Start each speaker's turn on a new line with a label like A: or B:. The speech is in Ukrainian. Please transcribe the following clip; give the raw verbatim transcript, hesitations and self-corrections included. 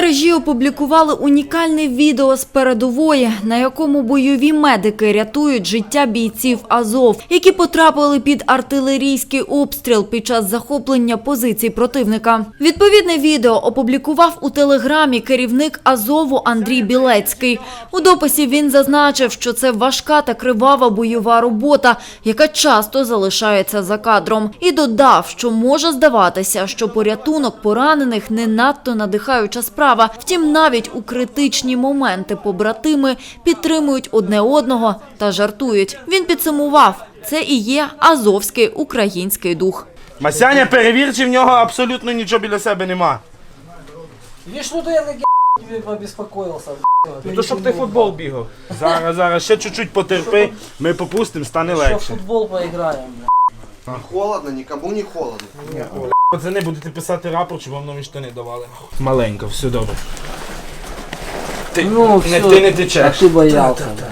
A: мережі опублікували унікальне відео з передової, на якому бойові медики рятують життя бійців Азов, які потрапили під артилерійський обстріл під час захоплення позицій противника. Відповідне відео опублікував у телеграмі керівник Азову Андрій Білецький. У дописі він зазначив, що це важка та кривава бойова робота, яка часто залишається за кадром. І додав, що може здаватися, що порятунок поранених не надто надихаюча справа. Втім, навіть у критичні моменти побратими підтримують одне одного та жартують. Він підсумував, це і є азовський український дух.
B: Масяня, перевір, чи в нього абсолютно нічого біля себе нема.
C: Видишь, ну то я тебе побеспокоился.
B: Ну то щоб ти футбол бігав. Зараз, зараз, ще чуть-чуть потерпи, ми попустимо, стане
C: Еще в
B: легше.
C: футбол поиграем.
D: Не холодно, никому не холодно.
B: Пацани, будете писати рапорт, щоб вам нові штани давали. Маленько, все добре. Ти,
C: Ну,
B: не,
C: все,
B: ти не течеш.
C: а ты боялся.